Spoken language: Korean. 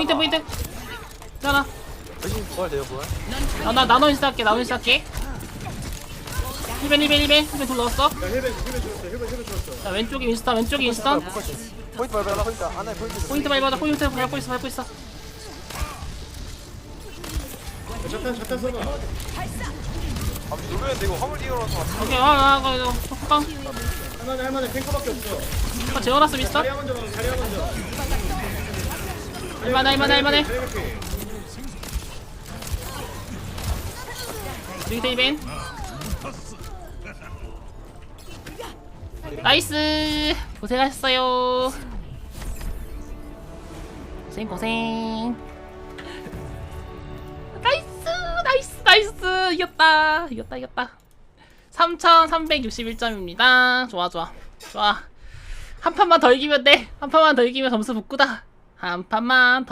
포인트. 자나. 대신 부활 돼요 부활. 나 나노 인스타 할게. 힐벤 둘 넣었어. 야 힐벤 죽었어. 자 왼쪽에 윈스턴. 포인트 밟아라 포인트. 안에 포인트. 포인트 밟고 있어. 자탄 써봐. 아 누르면 되고 화물 뛰어나서. 오케이 이거 호빵 할만해 탱커밖에 없어. 재워놨어 미스터. 자리야 먼저. 할만해. 리그 힐벤. 나이스 고생하셨어요. 고생. 나이스 이겼다 3361점입니다. 좋아 한 판만 더 이기면 점수 붙구다. 한 판만 더